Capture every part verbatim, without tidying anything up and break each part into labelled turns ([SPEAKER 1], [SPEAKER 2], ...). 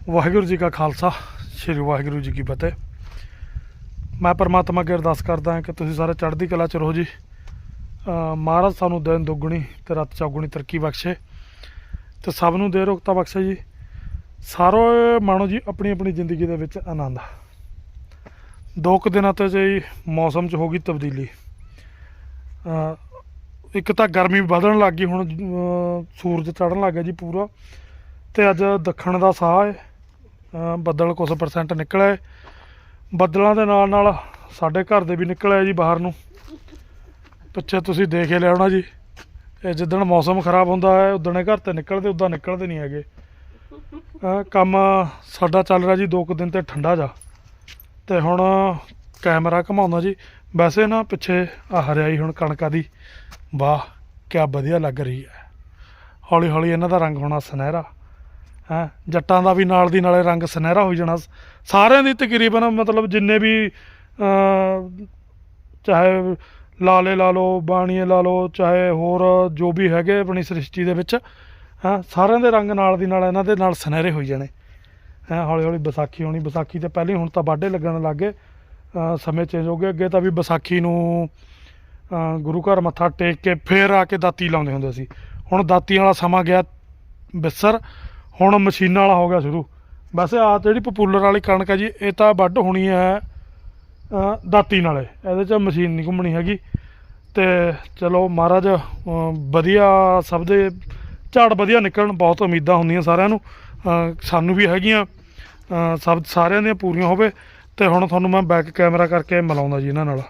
[SPEAKER 1] ਵਾਹਿਗੁਰੂ ਜੀ ਕਾ ਖਾਲਸਾ ਸ਼੍ਰੀ ਵਾਹਿਗੁਰੂ ਜੀ ਕੀ ਫਤਿਹ। ਮੈਂ ਪਰਮਾਤਮਾ ਅੱਗੇ ਅਰਦਾਸ ਕਰਦਾ ਹਾਂ ਕਿ ਤੁਸੀਂ ਸਾਰੇ ਚੜ੍ਹਦੀ ਕਲਾ 'ਚ ਰਹੋ ਜੀ। ਮਹਾਰਾਜ ਸਾਨੂੰ ਦਿਨ ਦੁੱਗਣੀ ਤੇ ਰਾਤ ਚੌਗੁਣੀ ਤਰੱਕੀ ਬਖਸ਼ੇ ਤੇ ਸਭ ਨੂੰ ਦੇ ਰੋਗਤਾ ਬਖਸ਼ੇ ਜੀ। ਸਾਰੇ ਮਾਣੋ ਜੀ ਆਪਣੀ ਆਪਣੀ ਜ਼ਿੰਦਗੀ ਦੇ ਵਿੱਚ ਆਨੰਦ। ਦੋ ਕੁ ਦਿਨਾਂ ਤੋਂ ਜੀ ਮੌਸਮ 'ਚ ਹੋ ਗਈ ਤਬਦੀਲੀ। ਇੱਕ ਤਾਂ ਗਰਮੀ ਵਧਣ ਲੱਗ ਗਈ, ਹੁਣ ਸੂਰਜ ਚੜ੍ਹਨ ਲੱਗ ਗਿਆ ਜੀ ਪੂਰਾ। ਤੇ ਅੱਜ ਦੱਖਣ ਦਾ ਸਾਹ ਹੈ, ਬੱਦਲ ਕੁਛ ਪਰਸੈਂਟ ਨਿਕਲਿਆ। ਬੱਦਲਾਂ ਦੇ ਨਾਲ ਨਾਲ ਸਾਡੇ ਘਰ ਦੇ ਵੀ ਨਿਕਲਿਆ ਜੀ ਬਾਹਰ ਨੂੰ। ਪਿੱਛੇ ਤੁਸੀਂ ਦੇਖ ਹੀ ਲਿਆ ਹੋਣਾ ਜੀ। ਇਹ ਜਿੱਦਣ ਮੌਸਮ ਖਰਾਬ ਹੁੰਦਾ ਹੈ ਉਦਣ ਇਹ ਘਰ ਤੇ ਨਿਕਲਦੇ, ਉੱਦਾਂ ਨਿਕਲਦੇ ਨਹੀਂ ਹੈਗੇ। ਕੰਮ ਸਾਡਾ ਚੱਲ ਰਿਹਾ ਜੀ ਦੋ ਕੁ ਦਿਨ ਤੇ ਠੰਡਾ ਜਾ। ਤੇ ਹੁਣ ਕੈਮਰਾ ਘੁਮਾਉਂਦਾ ਜੀ। ਵੈਸੇ ਨਾ ਪਿੱਛੇ ਆ ਹਰਿਆਈ ਹੁਣ ਕਣਕਾਂ ਦੀ, ਵਾਹ ਕਿਆ ਵਧੀਆ ਲੱਗ ਰਹੀ ਹੈ। ਹੌਲੀ ਹੌਲੀ ਇਹਨਾਂ ਦਾ ਰੰਗ ਹੋਣਾ ਸੁਨਹਿਰਾ ਹੈ। ਜੱਟਾਂ ਦਾ ਵੀ ਨਾਲ ਦੀ ਨਾਲੇ ਰੰਗ ਸੁਨਹਿਰਾ ਹੋ ਜਾਣਾ ਸਾਰਿਆਂ ਦੀ ਤਕਰੀਬਨ। ਮਤਲਬ ਜਿੰਨੇ ਵੀ ਚਾਹੇ ਲਾਲੇ ਲਾ ਲਓ, ਬਾਣੀਏ ਲਾ ਲਓ, ਚਾਹੇ ਹੋਰ ਜੋ ਵੀ ਹੈਗੇ ਆਪਣੀ ਸ੍ਰਿਸ਼ਟੀ ਦੇ ਵਿੱਚ, ਹਾਂ ਸਾਰਿਆਂ ਦੇ ਰੰਗ ਨਾਲ ਦੀ ਨਾਲ ਇਹਨਾਂ ਦੇ ਨਾਲ ਸੁਨਹਿਰੇ ਹੋਈ ਜਾਣੇ ਹੈਂ। ਹੌਲੀ ਹੌਲੀ ਵਿਸਾਖੀ ਹੋਣੀ। ਵਿਸਾਖੀ ਤੋਂ ਪਹਿਲਾਂ ਹੁਣ ਤਾਂ ਵਾਢੇ ਲੱਗਣ ਲੱਗ ਗਏ। ਸਮੇਂ ਚੇਂਜ ਹੋ ਗਏ। ਅੱਗੇ ਤਾਂ ਵੀ ਵਿਸਾਖੀ ਨੂੰ ਗੁਰੂ ਘਰ ਮੱਥਾ ਟੇਕ ਕੇ ਫੇਰ ਆ ਕੇ ਦਾਤੀ ਲਾਉਂਦੇ ਹੁੰਦੇ ਸੀ। ਹੁਣ ਦਾਤੀਆਂ ਵਾਲਾ ਸਮਾਂ ਗਿਆ ਵਿਸਰ, ਹੁਣ ਮਸ਼ੀਨਾਂ ਵਾਲਾ ਹੋ ਗਿਆ ਸ਼ੁਰੂ। ਵੈਸੇ ਆਹ ਜਿਹੜੀ ਪਪੂਲਰ ਵਾਲੀ ਕਣਕ ਹੈ ਜੀ, ਇਹ ਤਾਂ ਵੱਢ ਹੋਣੀ ਹੈ ਦਾਤੀ ਨਾਲੇ, ਇਹਦੇ 'ਚ ਮਸ਼ੀਨ ਨਹੀਂ ਘੁੰਮਣੀ ਹੈਗੀ। ਤੇ ਚਲੋ ਮਹਾਰਾਜ ਵਧੀਆ ਸਭ ਦੇ ਝਾੜ ਵਧੀਆ ਨਿਕਲਣ, ਬਹੁਤ ਉਮੀਦਾਂ ਹੁੰਦੀਆਂ ਸਾਰਿਆਂ ਨੂੰ, ਸਾਨੂੰ ਵੀ ਹੈਗੀਆਂ, ਸਭ ਸਾਰਿਆਂ ਦੀਆਂ ਪੂਰੀਆਂ ਹੋਵੇ। ਤੇ ਹੁਣ ਤੁਹਾਨੂੰ ਮੈਂ ਬੈਕ ਕੈਮਰਾ ਕਰਕੇ ਮਿਲਾਉਂਦਾ ਜੀ ਇਹਨਾਂ ਨਾਲ।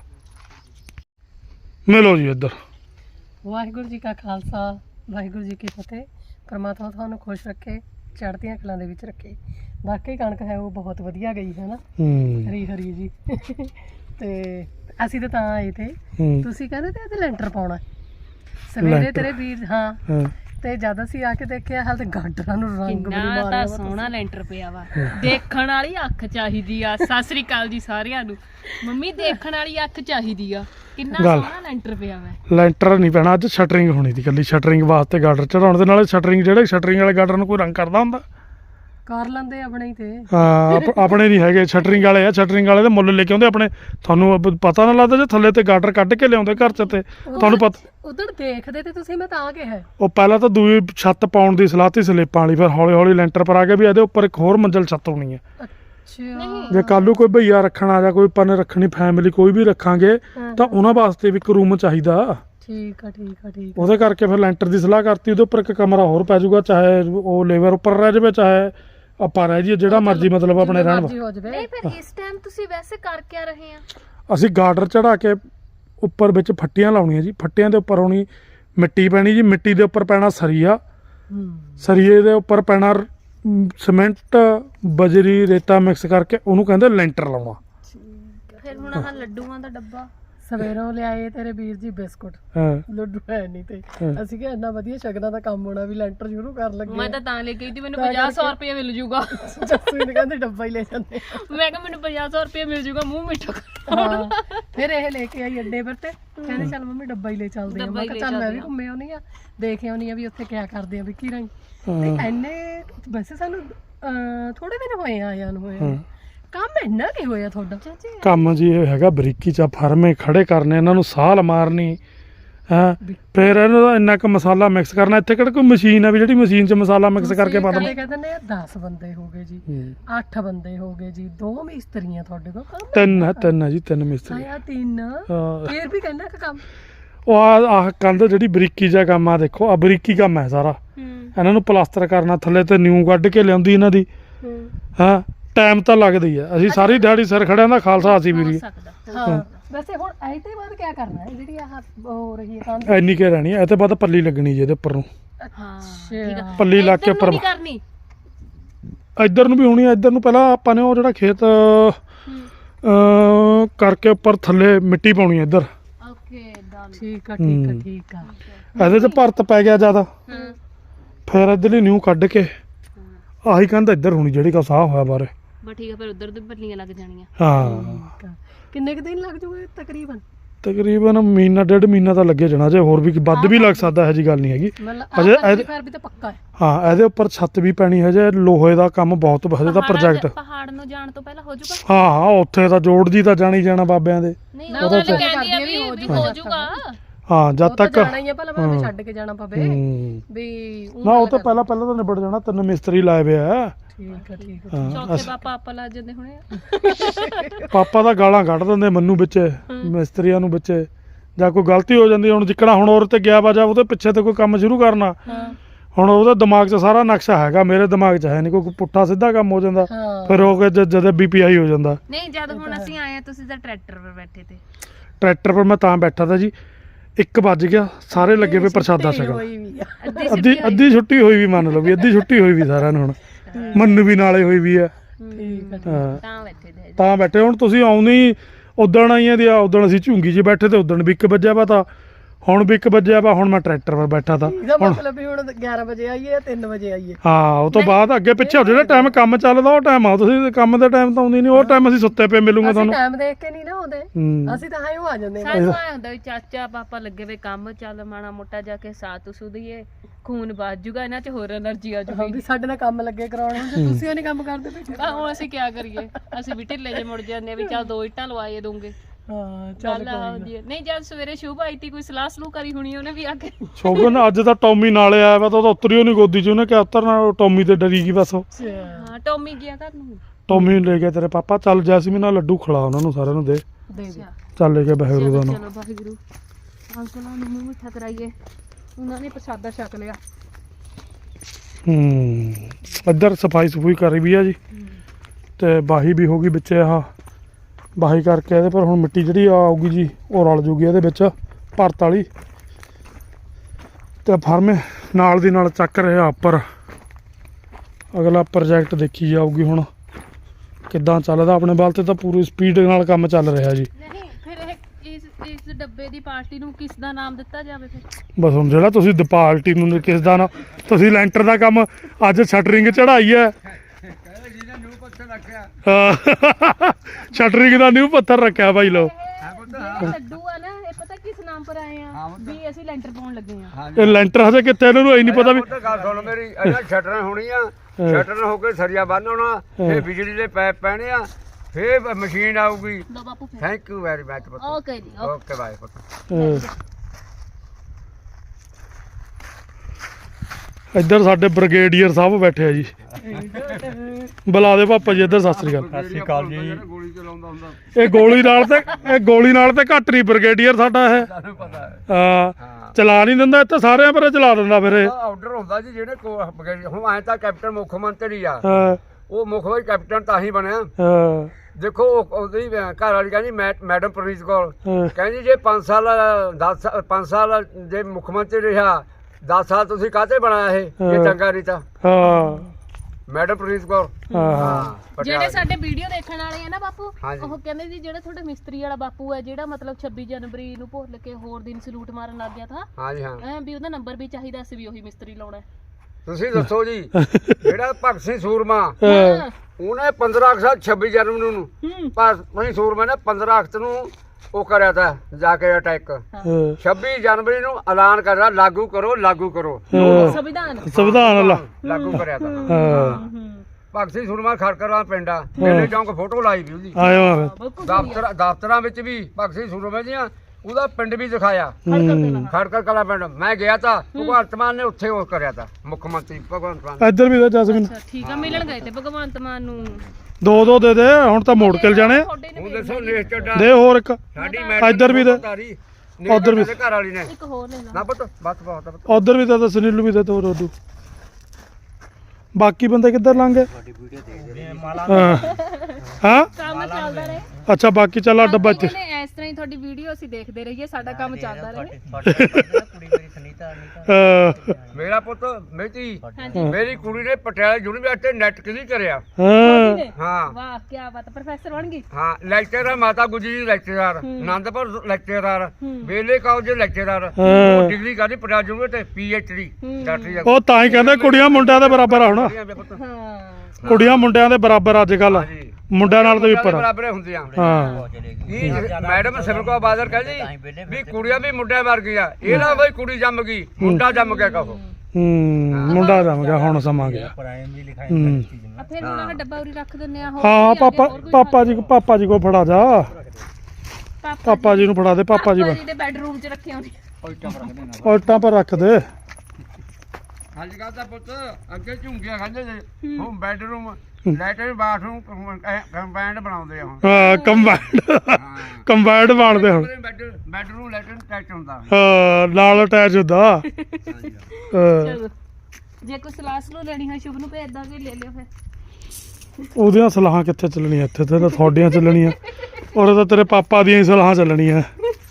[SPEAKER 1] ਮਿਲੋ ਜੀ ਇੱਧਰ।
[SPEAKER 2] ਵਾਹਿਗੁਰੂ ਜੀ ਕਾ ਖਾਲਸਾ ਵਾਹਿਗੁਰੂ ਜੀ ਕੀ ਫਤਿਹ। ਪਰਮਾਤਮਾ ਤੁਹਾਨੂੰ ਖੁਸ਼ ਰੱਖੇ, ਚੜ੍ਹਦੀਆਂ ਕਲਾਂ ਦੇ ਵਿੱਚ ਰੱਖੇ। ਬਾਕੀ ਕਣਕ ਹੈ ਉਹ ਬਹੁਤ ਵਧੀਆ ਗਈ ਹੈ ਨਾ, ਹਰੀ ਹਰੀ ਜੀ। ਤੇ ਅਸੀਂ ਤਾਂ ਤਾਂ ਆਏ ਤੇ, ਤੁਸੀਂ ਕਹਿੰਦੇ ਤੇ ਇਹਦੇ ਲੈਂਟਰ ਪਾਉਣਾ ਸਵੇਰੇ ਤੇਰੇ ਵੀਰ। ਹਾਂ ਤੇ ਜਦ ਅਸੀਂ ਆ ਕੇ ਦੇਖਿਆ ਹਾਲ ਤੇ ਗਾਡਰਾਂ ਨੂੰ ਰੰਗ ਬੜੀ ਮਾਰਿਆ।
[SPEAKER 3] ਤਾਂ ਸੋਹਣਾ ਲੈਂਟਰ ਪਿਆ ਵਾ, ਦੇਖਣ ਵਾਲੀ ਅੱਖ ਚਾਹੀਦੀ ਆ। ਸਤਿ ਸ੍ਰੀ ਅਕਾਲ ਜੀ ਸਾਰਿਆਂ ਨੂੰ। ਮੰਮੀ ਦੇਖਣ ਵਾਲੀ ਅੱਖ ਚਾਹੀਦੀ ਆ, ਕਿੰਨਾ ਸੋਹਣਾ ਲੈਂਟਰ ਪਿਆ ਵਾ।
[SPEAKER 1] ਲੈਂਟਰ ਨਹੀਂ ਪੈਣਾ ਅੱਜ, ਸ਼ਟਰਿੰਗ ਹੋਣੀ ਸੀ ਇਕੱਲੀ। ਸ਼ਟਰਿੰਗ ਵਾਸਤੇ ਗਾਡਰ ਚੜਾਉਣ ਦੇ ਨਾਲੇ ਸ਼ਟਰਿੰਗ, ਜਿਹੜੇ ਸ਼ਟਰਿੰਗ ਵਾਲੇ ਗਾਡਰ ਨੂੰ ਕੋਈ ਰੰਗ ਕਰਦਾ ਹੁੰਦਾ
[SPEAKER 2] ਕਰ ਲੈਂਦੇ ਆਪਣੇ ਹੀ ਤੇ।
[SPEAKER 1] ਹਾਂ ਆਪਣੇ ਨਹੀਂ ਹੈਗੇ, ਸ਼ਟਰਿੰਗ ਵਾਲੇ ਆ। ਸ਼ਟਰਿੰਗ ਵਾਲੇ ਦੇ ਮੁੱਲ ਲੈ ਕੇ ਆਉਂਦੇ ਆਪਣੇ। ਤੁਹਾਨੂੰ ਪਤਾ ਨਾ ਲੱਗਦਾ ਜੇ ਥੱਲੇ ਤੇ ਗਾਡਰ ਕੱਢ ਕੇ ਲਿਆਉਂਦੇ ਘਰ 'ਚ, ਤੇ ਤੁਹਾਨੂੰ ਪਤਾ
[SPEAKER 2] ਉਧਰ ਦੇਖਦੇ ਤੇ ਤੁਸੀਂ, ਮੈਂ ਤਾਂ ਕਿਹਾ
[SPEAKER 1] ਉਹ ਪਹਿਲਾਂ ਤਾਂ ਦੂਜੀ ਛੱਤ ਪਾਉਣ ਦੀ ਸਲਾਹ ਤੀ ਸਲੇਪਾਂ ਵਾਲੀ, ਫਿਰ ਹੌਲੀ ਹੌਲੀ ਲੈਂਟਰ ਪਰ ਆ ਗਿਆ ਵੀ ਇਹਦੇ ਉੱਪਰ ਇੱਕ ਹੋਰ ਮੰਜ਼ਲ ਛੱਤ ਹੋਣੀ ਹੈ। ਜੇ ਕੱਲ੍ਹ ਨੂੰ ਕੋਈ ਭਈਆ ਰੱਖਣਾ ਜਾਂ ਕੋਈ ਆਪਾਂ ਨੇ ਰੱਖਣੀ ਫੈਮਿਲੀ ਕੋਈ ਵੀ ਰੱਖਾਂਗੇ ਤਾਂ ਉਹਨਾਂ ਵਾਸਤੇ ਵੀ ਇੱਕ ਰੂਮ ਚਾਹੀਦਾ।
[SPEAKER 2] ਠੀਕ ਆ ਠੀਕ ਆ ਠੀਕ।
[SPEAKER 1] ਉਹਦੇ ਕਰਕੇ ਫਿਰ ਲੈਂਟਰ ਦੀ ਸਲਾਹ ਕਰਤੀ। ਉਹਦੇ ਉੱਪਰ ਇੱਕ ਕਮਰਾ ਹੋਰ ਪੈ ਜਾਊਗਾ, ਚਾਹੇ ਉਹ ਲੇਬਰ ਉੱਪਰ ਰਹਿ ਜਾਵੇ ਚਾਹੇ ਆਪਾਂ ਰਹਿ ਜਾਈਏ, ਜਿਹੜਾ ਮਰਜ਼ੀ ਮਤਲਬ ਆਪਣੇ ਰਹਿਣ।
[SPEAKER 3] ਨਹੀਂ ਫਿਰ ਇਸ ਟਾਈਮ ਤੁਸੀਂ ਵੈਸੇ ਕਰ ਕਿਆ ਰਹੇ ਆ?
[SPEAKER 1] ਅਸੀਂ ਗਾਡਰ ਚੜਾ ਕੇ ਉੱਪਰ ਵਿੱਚ ਫੱਟੀਆਂ ਲਾਉਣੀਆਂ ਜੀ। ਫੱਟੀਆਂ ਦੇ ਉੱਪਰ ਹੋਣੀ ਮਿੱਟੀ ਪੈਣੀ ਜੀ। ਮਿੱਟੀ ਦੇ ਉੱਪਰ ਪੈਣਾ ਸਰੀਆ, ਸਰੀਏ ਦੇ ਉੱਪਰ ਪੈਣਾ ਸੀਮੈਂਟ, ਬਜਰੀ, ਰੇਤਾ ਮਿਕਸ ਕਰਕੇ ਉਹਨੂੰ ਕਹਿੰਦੇ ਲੈਂਟਰ ਲਾਉਣਾ।
[SPEAKER 3] ਫਿਰ ਹੁਣ ਆਹ ਲੱਡੂਆਂ ਦਾ ਡੱਬਾ
[SPEAKER 2] ਸਵੇਰੋਂ ਲਿਆਏ ਤੇਰੇ ਵੀਰ ਜੀ ਬਿਸਕੁਟ, ਲੱਡੂ ਹੈ ਨਹੀਂ ਤੇ ਅਸੀਂ ਕਿਹਾ ਇੰਨਾ ਵਧੀਆ ਸ਼ਗਨਾਂ ਦਾ ਕੰਮ ਹੋਣਾ ਵੀ ਲੈਂਟਰ ਸ਼ੁਰੂ ਕਰ ਲੱਗੇ।
[SPEAKER 3] ਮੈਂ ਤਾਂ ਤਾਂ ਲੈ ਕੇ ਗਈ ਮੈਨੂੰ ਪੰਜਾਹ ਸੌ ਰੁਪਏ ਮਿਲ ਜੂਗਾ।
[SPEAKER 2] ਜੱਸੂ ਨੇ ਕਹਿੰਦੇ ਡੱਬਾ ਹੀ ਲੈ ਜਾਂਦੇ।
[SPEAKER 3] ਮੈਂ ਕਿਹਾ ਮੈਨੂੰ ਪੰਜਾਹ ਸੌ ਰੁਪਏ ਮਿਲ ਜੂਗਾ, ਮੂੰਹ ਮਿੱਠਾ।
[SPEAKER 2] ਹਾਂ ਫਿਰ ਇਹ ਲੈ ਕੇ ਆਈ ਅੱਡੇ ਪਰ ਤੇ ਕਹਿੰਦੇ ਚੱਲ ਮੰਮੀ ਡੱਬਾ ਹੀ ਲੈ ਚੱਲਦੇ ਆ। ਮੈਂ ਕਿਹਾ ਚੱਲ ਮੈਂ ਵੀ ਘੁੰਮੇ ਆਉਣੀ ਆ, ਦੇਖ ਆਉਣੀ ਆ ਵੀ ਉੱਥੇ ਕਿਆ ਕਰਦੇ ਆ ਵਿੱਕੀ ਰਾਈ। ਤੇ ਐਨੇ ਵੈਸੇ ਸਾਨੂੰ ਥੋੜੇ ਦਿਨ ਹੋਏ ਆ ਆਇਆਂ ਨੂੰ ਹੋਏ। ਕੰਮ ਇੰਨਾ ਕੀ ਹੋਇਆ ਤੁਹਾਡਾ?
[SPEAKER 1] ਕੰਮ ਜੀ ਇਹ ਹੈਗਾ ਬਰੀਕੀ 'ਚ ਫਰਮੇ ਖੜੇ ਕਰਨੇ, ਇਹਨਾਂ ਨੂੰ ਸਾਲ ਮਾਰਨੀ ਹੈ, ਫਿਰ ਇਹਨਾਂ ਦਾ ਇੰਨਾ ਕੁ ਮਸਾਲਾ ਮਿਕਸ ਕਰਨਾ। ਇੱਥੇ ਕਿਹੜਾ ਕੋਈ ਮਸ਼ੀਨ ਆ ਵੀ ਜਿਹੜੀ ਮਸ਼ੀਨ 'ਚ ਮਸਾਲਾ ਮਿਕਸ ਕਰਕੇ ਪਾ ਦੇਣਾ।
[SPEAKER 2] ਕਹਿੰਦੇ ਨੇ ਦਸ ਬੰਦੇ ਹੋ ਗਏ ਜੀ, ਅੱਠ ਬੰਦੇ ਹੋ ਗਏ ਜੀ, ਦੋ ਮਿਸਤਰੀਆਂ ਤੁਹਾਡੇ ਕੋਲ।
[SPEAKER 1] ਤਿੰਨ ਹੈ ਤਿੰਨ ਹੈ ਜੀ ਤਿੰਨ ਮਿਸਤਰੀ।
[SPEAKER 2] ਆਇਆ ਤਿੰਨ, ਫਿਰ ਵੀ ਕਹਿੰਦਾ ਕਿ ਕੰਮ
[SPEAKER 1] ਉਹ ਆ ਆਹ ਕੰਧ ਜਿਹੜੀ ਬਰੀਕੀ ਜਿਹਾ ਕੰਮ ਆ, ਦੇਖੋ ਆ ਬਰੀਕੀ ਕੰਮ ਹੈ ਸਾਰਾ। ਇਹਨਾਂ ਨੂੰ ਪਲਾਸਟਰ ਕਰਨਾ, ਥੱਲੇ ਤੇ ਨਿਊ ਕੱਢ ਕੇ ਲਿਆਉਂਦੀ ਇਹਨਾਂ ਦੀ। ਹਾਂ ਟਾਈਮ ਤਾਂ ਲੱਗਦੀ ਆ। ਅਸੀਂ ਸਾਰੀ ਦਿਹਾੜੀ ਸਿਰ ਖੜਿਆਂ ਦਾ ਖਾਲਸਾ ਅਸੀਂ ਵੀਰੀ।
[SPEAKER 2] ਹਾਂ ਵੈਸੇ ਹੁਣ ਇਹ ਤੇ ਬਾਅਦ ਕੀ ਕਰਨਾ ਹੈ ਜਿਹੜੀ ਆਹ ਹੋ ਰਹੀ ਹੈ ਕੰਧ?
[SPEAKER 1] ਇੰਨੀ ਕੁ ਰਹਿਣੀ ਹੈ, ਇਹ ਤੋਂ ਬਾਅਦ ਪੱਲੀ ਲੱਗਣੀ ਜੀ ਇਹਦੇ ਉੱਪਰ ਨੂੰ।
[SPEAKER 2] ਅੱਛਾ
[SPEAKER 1] ਪੱਲੀ ਲੱਗ ਕੇ ਉੱਪਰ
[SPEAKER 3] ਕਰਨੀ।
[SPEAKER 1] ਇੱਧਰ ਨੂੰ ਵੀ ਹੋਣੀ ਹੈ। ਇੱਧਰ ਨੂੰ ਪਹਿਲਾਂ ਆਪਾਂ ਨੇ ਉਹ ਜਿਹੜਾ ਖੇਤ ਕਰਕੇ ਉੱਪਰ ਥੱਲੇ ਮਿੱਟੀ ਪਾਉਣੀ ਹੈ ਇੱਧਰ।
[SPEAKER 2] ਠੀਕ ਆ ਠੀਕ ਆ ਠੀਕ ਆ।
[SPEAKER 1] ਇਹਦੇ 'ਚ ਭਰਤ ਪੈ ਗਿਆ ਜ਼ਿਆਦਾ, ਫਿਰ ਇੱਧਰਲੀ ਨਿਊ ਕੱਢ ਕੇ ਆਹੀ ਕੰਧ ਇੱਧਰ ਹੋਣੀ ਜਿਹੜੀ ਕਾ ਸਾਹ ਹੋਇਆ ਬਾਰੇ।
[SPEAKER 3] ਬਸ ਠੀਕ ਆ, ਫਿਰ ਉਧਰ ਤੇ ਪੱਲੀਆਂ ਲੱਗ ਜਾਣੀਆਂ।
[SPEAKER 1] ਹਾਂ
[SPEAKER 2] ਕਿੰਨੇ ਕੁ ਦਿਨ ਲੱਗ ਜੂਗੇ ਤਕਰੀਬਨ?
[SPEAKER 1] ਤਕਰੀਬਨ ਮਹੀਨਾ ਡੇਢ ਮਹੀਨਾ ਤਾਂ ਲੱਗੇ ਜਾਣਾ, ਜੇ ਹੋਰ ਵੀ ਵੱਧ ਵੀ ਲੱਗ ਸਕਦਾ, ਇਹੋ ਜਿਹੀ ਗੱਲ ਨਹੀਂ ਹੈਗੀ।
[SPEAKER 2] ਮਤਲਬ
[SPEAKER 1] ਅਜੇ
[SPEAKER 2] ਅਜੇ
[SPEAKER 1] ਇਹਦੇ-
[SPEAKER 2] ਫਿਰ ਵੀ ਤਾਂ ਪੱਕਾ ਹੈ।
[SPEAKER 1] ਹਾਂ ਇਹਦੇ ਉੱਪਰ ਛੱਤ ਵੀ ਪੈਣੀ ਹਜੇ, ਲੋਹੇ ਦਾ ਕੰਮ ਬਹੁਤ ਹਜੇ ਤਾਂ
[SPEAKER 3] ਪਹਾੜਾਂ 'ਚ-
[SPEAKER 1] ਪ੍ਰੋਜੈਕਟ।
[SPEAKER 3] ਪਹਾੜ ਨੂੰ ਜਾਣ ਤੋਂ ਪਹਿਲਾਂ ਹੋ ਜਾਊਗਾ।
[SPEAKER 1] ਹਾਂ ਹਾਂ ਉੱਥੇ ਤਾਂ ਜੋੜ ਜੀ ਤਾਂ ਜਾਣੀ ਜਾਣਾ ਬਾਬਿਆਂ ਦੇ।
[SPEAKER 3] ਨਹੀਂ
[SPEAKER 2] ਨਾ,
[SPEAKER 3] ਉਹ
[SPEAKER 1] ਉਹਦਾ
[SPEAKER 3] ਗੱਲ
[SPEAKER 1] ਤਾਂ-
[SPEAKER 3] ਕਹਿੰਦੀ ਆ ਵੀ
[SPEAKER 2] ਹੋ
[SPEAKER 3] ਵੀ
[SPEAKER 2] ਜਾਊਗਾ।
[SPEAKER 3] ਹੋ ਜਾਊਗਾ।
[SPEAKER 1] ਹਾਂ ਜਦ
[SPEAKER 2] ਉਹ ਤਾਂ
[SPEAKER 1] ਤੱਕ
[SPEAKER 2] ਜਾਣਾ ਹੀ ਆ, ਪਹਿਲਾਂ ਭਾਵੇਂ
[SPEAKER 1] ਹਾਂ।
[SPEAKER 2] ਛੱਡ ਕੇ ਜਾਣਾ ਪਵੇ
[SPEAKER 1] ਹੂੰ।
[SPEAKER 2] ਵੀ ਊਂ
[SPEAKER 1] ਨਾ ਉਹ
[SPEAKER 2] ਗੱਲ
[SPEAKER 1] ਤਾਂ
[SPEAKER 2] ਕਰ-
[SPEAKER 1] ਪਹਿਲਾਂ ਪਹਿਲਾਂ ਤਾਂ ਨਿਬੜ ਜਾਣਾ, ਤਿੰਨ ਮਿਸਤਰੀ ਲਾਏ ਵੇ ਆ।
[SPEAKER 2] ਠੀਕ ਹੈ ਠੀਕ ਹੈ।
[SPEAKER 1] ਹਾਂ
[SPEAKER 3] ਚੌਥੇ
[SPEAKER 1] ਅਸ-
[SPEAKER 3] ਪਾਪਾ ਆਪਾਂ ਲੱਜ ਜਾਂਦੇ ਹੁਣੇ ਆ।
[SPEAKER 1] ਪਾਪਾ ਦਾ ਗਾਲਾਂ ਕੱਢ ਦਿੰਦੇ ਮੈਨੂੰ ਵਿੱਚ, ਮਿਸਤਰੀਆਂ ਨੂੰ ਵਿੱਚ, ਜਾਂ ਕੋਈ ਗਲਤੀ ਹੋ ਜਾਂਦੀ ਹੁਣ ਜਿੱਕਣਾ ਹੁਣ ਔਰ ਤੇ ਗਿਆ ਵਾ ਜਾਂ ਉਹਦੇ ਪਿੱਛੇ ਤੇ ਕੋਈ ਕੰਮ ਸ਼ੁਰੂ ਕਰਨਾ,
[SPEAKER 2] ਹਾਂ
[SPEAKER 1] ਹੁਣ ਉਹਦੇ ਦਿਮਾਗ 'ਚ ਸਾਰਾ ਨਕਸ਼ਾ ਹੈਗਾ, ਮੇਰੇ ਦਿਮਾਗ 'ਚ ਹੈ ਨਹੀਂ, ਕੋਈ ਪੁੱਠਾ ਸਿੱਧਾ ਕੰਮ ਹੋ ਜਾਂਦਾ,
[SPEAKER 2] ਹਾਂ
[SPEAKER 1] ਫਿਰ ਉਹ ਕਿ ਜਦ ਬੀਪੀਆਈ ਹੋ ਜਾਂਦਾ।
[SPEAKER 3] ਨਹੀਂ ਜਦ ਹੁਣ ਅਸੀਂ ਆਏ ਆ ਤੁਸੀਂ ਤਾਂ ਟਰੈਕਟਰ 'ਤੇ ਬੈਠੇ ਤੇ।
[SPEAKER 1] ਟਰੈਕਟਰ 'ਪਰ ਮੈਂ ਤਾਂ ਬੈਠਾ ਤਾ ਜੀ, ਇੱਕ ਵੱਜ ਗਿਆ, ਸਾਰੇ ਲੱਗੇ ਵੇ ਪ੍ਰਸ਼ਾਦਾ ਛਕਣ,
[SPEAKER 2] ਹੋਈ ਵੀ ਆ।
[SPEAKER 3] ਅੱਧੀ
[SPEAKER 1] ਅੱਧੀ ਅੱਧੀ ਛੁੱਟੀ ਹੋਈ ਵੀ, ਮੰਨ ਲਓ ਵੀ ਅੱਧੀ ਛੁੱਟੀ ਹੋਈ ਵੀ ਸਾਰਿਆਂ ਨੂੰ, ਹੁਣ ਮੰਨੂ ਵੀ ਨਾਲੇ ਹੋਈ ਵੀ ਆ।
[SPEAKER 2] ਠੀਕ ਹੈ
[SPEAKER 1] ਹਾਂ
[SPEAKER 3] ਤਾਂ ਬੈਠੇ ਤੇ।
[SPEAKER 1] ਤਾਂ ਬੈਠੇ, ਹੁਣ ਤੁਸੀਂ ਆਉਣੀ ਉਦਣ ਆਈਆਂ ਦੀ ਆ, ਉਦਣ ਅਸੀਂ ਝੂੰਗੀ 'ਚ ਬੈਠੇ ਤੇ ਉਦਣ ਵੀ ਇੱਕ ਵੱਜਿਆ ਵਾ, ਤਾਂ ਹੁਣ ਵੀ ਇੱਕ ਵੱਜਿਆ ਵਾ, ਹੁਣ ਮੈਂ ਟਰੈਕਟਰ 'ਪਰ ਬੈਠਾ ਤਾ।
[SPEAKER 2] ਇਹਦਾ ਮਤਲਬ ਵੀ ਹੁਣ ਗਿਆਰਾਂ ਵਜੇ ਆਈਏ ਜਾਂ ਤਿੰਨ ਵਜੇ ਆਈਏ।
[SPEAKER 1] ਹਾਂ ਉਹ ਤੋਂ ਬਾਅਦ ਅੱਗੇ ਪਿੱਛੇ ਹੋ ਜਿਹੜਾ ਟਾਈਮ ਕੰਮ ਚੱਲਦਾ ਉਹ ਟਾਈਮ ਆ, ਤੁਸੀਂ ਕੰਮ ਦੇ ਟਾਈਮ ਤਾਂ ਆਉਂਦੀ ਨਹੀਂ, ਉਹ ਟਾਈਮ ਅਸੀਂ ਸੁੱਤੇ ਪਏ ਮਿਲੂਗਾ
[SPEAKER 2] ਅਸੀਂ
[SPEAKER 1] ਤੁਹਾਨੂੰ।
[SPEAKER 2] ਟਾਈਮ ਦੇਖ ਕੇ ਨਹੀਂ ਨਾ ਆਉਂਦੇ,
[SPEAKER 1] ਹੂੰ
[SPEAKER 2] ਅਸੀਂ ਤਾਂ ਹਾਂ ਆ ਜਾਂਦੇ ਨੇ।
[SPEAKER 3] ਸਾਨੂੰ ਆਇਆ ਹੁੰਦਾ ਵੀ ਚਾਚਾ ਪਾਪਾ ਲੱਗੇ ਵੇ ਕੰਮ, ਚੱਲ ਮਾੜਾ ਮੋਟਾ ਜਾ ਕੇ ਸਾਥ ਸੁਧੀਏ, ਖੂਨ ਵੱਜ ਜੂਗਾ, ਇਹਨਾਂ 'ਚ ਹੋਰ એનર્ਜੀ ਆ
[SPEAKER 2] ਹਾਂ
[SPEAKER 3] ਜੂਗੀ।
[SPEAKER 2] ਵੀ ਸਾਡੇ ਨਾਲ ਕੰਮ ਲੱਗੇ ਕਰਾਉਣੇ, ਜੇ ਤੁਸੀਂ ਉਹ ਨਹੀਂ ਕੰਮ ਕਰਦੇ ਪਏ।
[SPEAKER 3] ਤਾਂ ਹੁਣ ਅਸੀਂ ਕੀ ਕਰੀਏ, ਅਸੀਂ ਵੀ ਢਿੱਲੇ ਜੇ ਮੁੜ ਜਾਂਦੇ ਆ ਵੀ ਚੱਲ ਦੋ ਇੱਟਾਂ ਲਵਾਏ ਦੂੰਗੇ।
[SPEAKER 2] ਹਾਂ ਚੱਲ
[SPEAKER 3] ਚੱਲ ਆ ਹੁੰਦੀ ਹੈ। ਨਹੀਂ ਜਦ ਸਵੇਰੇ ਸ਼ੁਭ ਆਈ ਤੀ ਕੋਈ ਸਲਾਹ ਸਲੂਹ ਕਰੀ ਹੋਣੀ ਉਹਨੇ ਵੀ ਆ ਕੇ।
[SPEAKER 1] ਸ਼ੋਭਨ ਅੱਜ ਤਾਂ ਟੌਮੀ ਨਾਲੇ ਆਇਆ ਵਾ, ਤਾਂ ਉਹ ਤਾਂ ਉਤਰੀ ਉਹ ਨਹੀਂ ਗੋਦੀ 'ਚ, ਉਹਨੇ ਕਿਹਾ ਉਤਰਨਾ, ਉਹ ਟੌਮੀ ਤੇ ਡਰੀ ਗਈ ਬਸ। ਉਹ
[SPEAKER 2] ਅੱਛਾ
[SPEAKER 3] ਹਾਂ ਟੋਮੀ ਗਿਆ ਘਰ ਨੂੰ।
[SPEAKER 1] ਟੌਮੀ ਨੂੰ ਲੈ ਗਿਆ ਤੇਰੇ ਪਾਪਾ, ਚੱਲ ਜੈਸਮੀਨ ਨਾਲ ਲੱਡੂ ਖਿਲਾ ਉਹਨਾਂ ਨੂੰ ਸਾਰਿਆਂ ਨੂੰ ਦੇ,
[SPEAKER 2] ਦੇ ਦੇ।
[SPEAKER 1] ਚੱਲ ਲੈ ਕੇ ਬਹਿਰੂ
[SPEAKER 3] ਚਲੋ
[SPEAKER 1] ਦਾ ਨੂੰ।
[SPEAKER 3] ਚਲੋ ਵਾਹਿਗੁਰੂ ਅੰਕਲਾਂ ਨੂੰ ਮੂੰਹ ਮਿੱਠਾ ਕਰਾਈਏ, ਉਹਨਾਂ ਨੇ ਪ੍ਰਸ਼ਾਦਾ ਛਕ ਲਿਆ।
[SPEAKER 1] ਹੂੰ ਇੱਧਰ ਸਫਾਈ ਸਫੂਈ ਕਰੀ ਵੀ ਆ ਜੀ, ਤੇ ਬਾਹੀ ਵੀ ਹੋ ਗਈ ਵਿੱਚ, ਆਹ ਬਾਹੀ ਕਰਕੇ ਇਹਦੇ ਪਰ ਹੁਣ ਮਿੱਟੀ ਜਿਹੜੀ ਆਊਗੀ ਜੀ ਉਹ ਰਲ ਜੂਗੀ ਇਹਦੇ ਵਿੱਚ ਭਰਤ ਵਾਲੀ, ਤੇ ਫਰਮੇ ਨਾਲ ਦੀ ਨਾਲ ਚੱਕ ਰਿਹਾ ਉੱਪਰ। ਅਗਲਾ ਪ੍ਰੋਜੈਕਟ ਦੇਖੀ ਜਾਊਗੀ ਹੁਣ ਕਿੱਦਾਂ ਚੱਲਦਾ, ਆਪਣੇ ਵੱਲ ਤੇ ਤਾਂ ਪੂਰੀ ਸਪੀਡ ਨਾਲ ਕੰਮ ਚੱਲ ਰਿਹਾ ਜੀ।
[SPEAKER 3] ਨਹੀਂ ਫਿਰ ਇਹ ਇਸ ਇਸ ਡੱਬੇ ਦੀ ਪਾਰਟੀ ਨੂੰ ਕਿਸ ਦਾ ਨਾਮ ਦਿੱਤਾ ਜਾਵੇ ਫਿਰ?
[SPEAKER 1] ਬਸ ਹੁਣ ਜਿਹੜਾ ਤੁਸੀਂ ਪਾਰਟੀ ਨੂੰ ਕਿਸ ਦਾ ਨਾ, ਤੁਸੀਂ ਲੈਂਟਰ ਦਾ ਕੰਮ ਅੱਜ ਸ਼ਟਰਿੰਗ ਚੜਾਈ ਹੈ, ਸ਼ਟਰਿੰਗ ਦਾ ਨਿਊ ਪੱਥਰ ਰੱਖਿਆ ਭਾਈ ਲੋ।
[SPEAKER 3] ਜਿਹੜੇ ਲੱਡੂ ਆ ਨਾ ਇਹ ਪਤਾ ਕਿਸ ਨਾਮ ਪਰ ਆਏ ਆ ਵੀ ਅਸੀਂ ਲੈਂਟਰ ਪਾਉਣ ਲੱਗੇ ਆ।
[SPEAKER 1] ਇਹ ਲੈਂਟਰ ਹਜੇ ਕਿੱਥੇ, ਇਹਨਾਂ ਨੂੰ ਇਹ ਨਹੀਂ ਪਤਾ ਵੀ।
[SPEAKER 4] ਗੱਲ ਸੁਣ ਮੇਰੀ, ਇਹਨਾਂ ਸ਼ਟਰਾਂ ਹੋਣੀਆਂ, ਸ਼ਟਰ ਹੋ ਕੇ ਸਰੀਆ ਬੰਨ ਹੋਣਾ, ਫਿਰ ਬਿਜਲੀ ਦੇ ਪੈਪ ਪੈਣੇ ਆ, ਫਿਰ ਮਸ਼ੀਨ ਆਊਗੀ।
[SPEAKER 3] ਲੋ ਬਾਪੂ ਫਿਰ
[SPEAKER 4] ਥੈਂਕ ਯੂ ਵੈਰੀ ਮਚ ਪੁੱਤ।
[SPEAKER 3] ਓਕੇ ਜੀ ਓਕੇ।
[SPEAKER 4] ਓਕੇ ਬਾਏ ਪੁੱਤ।
[SPEAKER 1] ਅਹ ਇੱਧਰ ਸਾਡੇ ਬ੍ਰਿਗੇਡੀਅਰ ਸਾਹਿਬ ਬੈਠੇ ਆ ਜੀ, ਬੁਲਾ ਦੇ ਪਾਪਾ ਜੀ ਇੱਧਰ। ਸਤਿ ਸ੍ਰੀ ਅਕਾਲ।
[SPEAKER 4] ਸਤਿ ਸ਼੍ਰੀ ਅਕਾਲ ਜੀ। ਗੋਲੀ ਚਲਾਉਂਦਾ ਹੁੰਦਾ,
[SPEAKER 1] ਇਹ ਗੋਲੀ ਨਾਲ ਤੇ ਇਹ ਗੋਲੀ ਨਾਲ ਤੇ ਘੱਟ ਨਹੀਂ ਬ੍ਰਿਗੇਡੀਅਰ ਸਾਡਾ ਇਹ,
[SPEAKER 4] ਸਾਨੂੰ ਪਤਾ ਹੈ।
[SPEAKER 1] ਹਾਂ
[SPEAKER 4] ਹਾਂ
[SPEAKER 1] ਚਲਾ ਨਹੀਂ ਦਿੰਦਾ ਇੱਥੇ, ਸਾਰਿਆਂ ਪਰ ਚਲਾ ਦਿੰਦਾ ਫਿਰ ਇਹ।
[SPEAKER 4] ਆਰਡਰ ਹੁੰਦਾ ਜੀ ਜਿਹੜੇ ਕੋ- ਹੁਣ ਐ ਤਾਂ ਕੈਪਟਨ ਮੁੱਖ ਮੰਤਰੀ ਆ,
[SPEAKER 1] ਹਾਂ
[SPEAKER 4] ਉਹ ਮੁੱਖ ਮੰਤਰੀ ਕੈਪਟਨ ਤਾਂ ਹੀ ਬਣਿਆ।
[SPEAKER 1] ਹਾਂ
[SPEAKER 4] ਦੇਖੋ ਉਹ- ਉਹਦੀ ਘਰ ਵਾਲੀ ਕਹਿੰਦੀ ਮੈ- ਮੈਡਮ ਪ੍ਰਨੀਤ ਕੌਰ
[SPEAKER 1] ਹਾਂ।
[SPEAKER 4] ਕਹਿੰਦੀ ਜੇ ਪੰਜ ਸਾਲ ਦਸ ਪੰਜ ਸਾਲ ਜੇ ਮੁੱਖ ਮੰਤਰੀ ਰਿਹਾ, ਦਸ ਸਾਲ ਤੁਸੀਂ ਕਾਹਤੇ ਬਣਾਇਆ ਇਹ,
[SPEAKER 1] ਹਾਂ।
[SPEAKER 4] ਇਹ ਚੰਗਾ ਨਹੀਂ ਤਾਂ।
[SPEAKER 1] ਹਾਂ
[SPEAKER 4] ਮੈਡਮ ਪ੍ਰਨੀਤ ਕੌਰ
[SPEAKER 1] ਹਾਂ
[SPEAKER 4] ਹਾਂ
[SPEAKER 3] ਜਿਹੜੇ ਸਾਡੇ ਵੀਡੀਓ ਦੇਖਣ ਵਾਲੇ ਆ ਨਾ ਬਾਪੂ,
[SPEAKER 4] ਹਾਂਜੀ।
[SPEAKER 3] ਉਹ ਕਹਿੰਦੇ ਜੀ ਜਿਹੜਾ ਤੁਹਾਡਾ ਮਿਸਤਰੀ ਵਾਲਾ ਬਾਪੂ ਹੈ ਜਿਹੜਾ ਮਤਲਬ ਛੱਬੀ ਜਨਵਰੀ ਨੂੰ ਭੁੱਲ ਕੇ ਹੋਰ ਦਿਨ ਸਲੂਟ ਮਾਰਨ ਲੱਗ ਗਿਆ ਥਾ,
[SPEAKER 4] ਹਾਂਜੀ ਹਾਂ
[SPEAKER 3] ਐ ਵੀ ਉਹਦਾ ਨੰਬਰ ਵੀ ਚਾਹੀਦਾ ਸੀ ਵੀ ਉਹੀ ਮਿਸਤਰੀ ਲਾਉਣਾ ਹੈ।
[SPEAKER 4] ਤੁਸੀਂ ਦੱਸੋ ਜੀ, ਜਿਹੜਾ ਭਗਤ ਸਿੰਘ ਸੂਰਮਾ
[SPEAKER 1] ਹਾਂ
[SPEAKER 4] ਉਹਨੇ ਪੰਦਰਾਂ ਅਗਸਤ ਛੱਬੀ ਜਨਵਰੀ ਨੂੰ
[SPEAKER 3] ਹੂੰ
[SPEAKER 4] ਭਗਤ ਸਿੰਘ ਸੂਰਮਾ ਨੇ ਪੰਦਰਾਂ ਅਗਸਤ ਨੂੰ ਉਹ ਕਰਿਆ ਤਾ ਜਾ ਕੇ ਅਟੈਕ।
[SPEAKER 1] ਹਾਂ।
[SPEAKER 4] ਛੱਬੀ ਜਨਵਰੀ ਨੂੰ ਐਲਾਨ ਕਰਿਆ ਲਾਗੂ ਕਰੋ ਲਾਗੂ ਕਰੋ,
[SPEAKER 1] ਹਾਂ।
[SPEAKER 3] ਸੰਵਿਧਾਨ।
[SPEAKER 1] ਸੰਵਿਧਾਨ ਲਾ।
[SPEAKER 4] ਲਾਗੂ ਕਰਿਆ ਤਾ।
[SPEAKER 1] ਹਾਂ
[SPEAKER 3] ਹੂੰ
[SPEAKER 4] ਭਗਤ ਸਿੰਘ ਸੂਰਮਾ ਖੜਕਰਾ ਪਿੰਡ ਆ, ਮੇਲੇ ਚੌਂਕ ਫੋਟੋ ਲਾਈ ਵੀ ਉਹਦੀ,
[SPEAKER 1] ਆਇਓ ਆ ਫਿਰ।
[SPEAKER 3] ਬਿਲਕੁਲ
[SPEAKER 4] ਦਫ਼ਤਰ ਦਫ਼ਤਰਾਂ ਵਿੱਚ ਵੀ ਭਗਤ ਸਿੰਘ ਸੂਰਮਾ ਦੀਆਂ ਉਹਦਾ ਪਿੰਡ ਵੀ ਦਿਖਾਇਆ,
[SPEAKER 1] ਹੂੰ।
[SPEAKER 4] ਖੜਕਰ ਕਲਾ ਪਿੰਡ। ਮੈਂ ਗਿਆ ਤਾਂ ਭਗਵੰਤ ਮਾਨ ਨੇ ਉੱਥੇ ਉਹ ਕਰਿਆ ਤਾ, ਮੁੱਖ ਮੰਤਰੀ ਭਗਵੰਤ ਮਾਨ।
[SPEAKER 1] ਇੱਧਰ ਵੀ ਤਾਂ ਜਸਮੀਨ
[SPEAKER 3] ਅੱਛਾ ਠੀਕ ਆ, ਮਿਲਣ ਗਏ ਤੇ ਭਗਵੰਤ ਮਾਨ ਨੂੰ।
[SPEAKER 1] ਦੋ ਦੋ ਦੇ ਦੇ, ਹੁਣ ਤਾਂ ਮੋੜ ਕੇ ਜਾਣੇ।
[SPEAKER 3] ਤੁਹਾਡੇ ਨੇ
[SPEAKER 4] ਹੁਣ ਦੱਸੋ ਨੇਸ਼ ਚੱਡਾ
[SPEAKER 1] ਦੇ ਹੋਰ ਇੱਕ
[SPEAKER 4] ਸਾਡੀ ਮੈਡਮ
[SPEAKER 1] ਇੱਧਰ ਵੀ ਤਾਂ-
[SPEAKER 4] ਉਧਰ
[SPEAKER 1] ਉੱਧਰ
[SPEAKER 4] ਵੀ
[SPEAKER 1] ਵੀ।
[SPEAKER 4] ਘਰ ਵਾਲੀ ਨੇ
[SPEAKER 3] ਇੱਕ ਹੋਰ ਲੈ ਲਾ।
[SPEAKER 4] ਨਾ ਪੁੱਤ ਬਸ ਬਹੁਤ ਆ ਪੁੱਤ।
[SPEAKER 1] ਉਧਰ ਵੀ ਤਾਂ ਸੁਨੀਲ ਵੀ ਤਾਂ ਤੋਰ ਉਦੋਂ ਬਾਕੀ ਬੰਦੇ ਕਿੱਧਰ ਲੰਘ ਗਏ? ਹਾਂ ਹਾਂ
[SPEAKER 3] ਕੰਮ ਚੱਲਦਾ ਰਹੇ।
[SPEAKER 1] ਅੱਛਾ ਬਾਕੀ ਚੱਲ ਆ ਡੱਬਾ ਇੱਥੇ।
[SPEAKER 3] ਕਹਿੰਦੇ ਇਸ ਤਰ੍ਹਾਂ ਹੀ ਤੁਹਾਡੀ ਵੀਡੀਓ ਅਸੀਂ ਦੇਖਦੇ ਰਹੀਏ, ਸਾਡਾ ਕੰਮ ਚੱਲਦਾ ਰਹੇ।
[SPEAKER 1] ਹਾਂ
[SPEAKER 4] ਮੇਰਾ ਪੁੱਤ ਮੇਤੀ
[SPEAKER 3] ਹਾਂਜੀ
[SPEAKER 4] ਮੇਰੀ ਕੁੜੀ ਨੇ ਪਟਿਆਲਾ ਯੂਨੀਵਰਸਿਟੀ ਨੈਟ ਕਿਲੀ ਕਰਿਆ।
[SPEAKER 1] ਹਾਂ
[SPEAKER 4] ਹਾਂ
[SPEAKER 3] ਵਾਹ ਕੀ ਬਾਤ, ਪ੍ਰੋਫੈਸਰ ਬਣ ਗਈ।
[SPEAKER 4] ਹਾਂ lecturer Mata Gujri lecturer, Anandpur lecturer, ਵੇਲੇ ਕਾਲਜ ਲੈਕਚਰਰ,
[SPEAKER 1] ਹਾਂ।
[SPEAKER 4] ਡਿਗਰੀ ਕਰਦੀ Patiala university P H D ਡਾਕਟਰੀ
[SPEAKER 1] ਉਹ ਤਾਂ ਹੀ ਕਹਿੰਦੇ ਕੁੜੀਆਂ ਮੁੰਡਿਆਂ ਦੇ ਬਰਾਬਰ ਆ ਹੁਣ,
[SPEAKER 3] ਹਾਂ
[SPEAKER 1] ਕੁੜੀਆਂ ਮੁੰਡਿਆਂ ਦੇ ਬਰਾਬਰ ਅੱਜ ਕੱਲ।
[SPEAKER 4] ਹਾਂਜੀ
[SPEAKER 1] ਮੁੰਡਿਆਂ ਨਾਲ ਤੇ ਵੀ ਉੱਪਰ ਆ।
[SPEAKER 4] ਬਰਾਬਰ ਹੀ ਹੁੰਦੀਆਂ
[SPEAKER 1] ਹਾਂ
[SPEAKER 4] ਇਹ ਮੈਡਮ ਸਿਮਰਕੌਰ ਬਾਦਲ ਕਹਿੰਦੀ ਵੀ ਕੁੜੀਆਂ ਵੀ ਮੁੰਡਿਆਂ ਵਰਗੀਆਂ ਇਹ ਨਾ ਬਈ ਕੁੜੀ ਜੰਮ ਗਈ ਮੁੰਡਾ ਜੰਮ ਗਿਆ ਕਹੋ
[SPEAKER 1] ਹੂੰ ਮੁੰਡਾ ਜੰਮ ਗਿਆ ਹੁਣ ਸਮਾਂ ਗਿਆ ਹੂੰ
[SPEAKER 3] ਆ ਫਿਰ ਉਹਨਾਂ ਦਾ ਡੱਬਾ ਉਰੀ ਰੱਖ ਦਿੰਨੇ ਆ ਹੋਰ
[SPEAKER 1] ਹਾਂ
[SPEAKER 3] ਕੀ ਆ
[SPEAKER 1] ਪਾਪਾ
[SPEAKER 3] ਗਿਆ, ਹੋਰ ਕੋਈ
[SPEAKER 1] ਪਾਪਾ ਜੀ ਕੋ ਪਾਪਾ ਜੀ ਕੋ ਫੜਾ ਜਾ
[SPEAKER 3] ਪਾਪਾ
[SPEAKER 1] ਪਾਪਾ ਜੀ ਨੂੰ ਫੜਾ ਦੇ ਪਾਪਾ ਜੀ
[SPEAKER 3] ਜੀ ਦੇ ਬੈਡਰੂਮ 'ਚ ਰੱਖੇ ਹੁੰਦੇ
[SPEAKER 1] ਉਲਟਾਂ ਪਰ ਰੱਖ ਦੇ
[SPEAKER 4] ਅੱਜ ਕੱਲ੍ਹ ਤਾਂ ਪੁੱਤ ਅੱਗੇ ਝੁੰਗੀਆਂ ਖਾਂਦੇ ਸੀ ਹੁਣ ਬੈਡਰੂਮ ਲੈਟਰ ਬਾਥਰੂਮ ਕੰਬਾਈਨਡ ਬਣਾਉਂਦੇ ਆ ਹੁਣ
[SPEAKER 1] ਹਾਂ ਕੰਬਾਈਨਡ ਕੰਬਾਈਨਡ ਬਣਦੇ ਹੁਣ
[SPEAKER 4] ਬੈਡਰੂਮ ਲੈਟਰ ਟੈਚ ਹੁੰਦਾ
[SPEAKER 1] ਹਾਂ ਨਾਲ ਅਟੈਚ ਹੁੰਦਾ ਹਾਂ।
[SPEAKER 3] ਚਲੋ ਜੇ ਕੋਈ ਸਲਾਹ ਸਲੂ ਲੈਣੀ ਹੋਈ ਸ਼ੁਭ ਨੂੰ ਭੇਜ ਦਾਂਗੇ ਲੈ ਲਿਓ ਫਿਰ
[SPEAKER 1] ਉਹਦੀਆਂ ਸਲਾਹਾਂ ਕਿੱਥੇ ਚੱਲਣੀਆਂ ਇੱਥੇ ਤੇ ਤਾਂ ਤੁਹਾਡੀਆਂ ਚੱਲਣੀਆਂ ਔਰ ਤਾਂ ਤੇਰੇ ਪਾਪਾ ਦੀਆਂ ਹੀ ਸਲਾਹਾਂ ਚੱਲਣੀਆਂ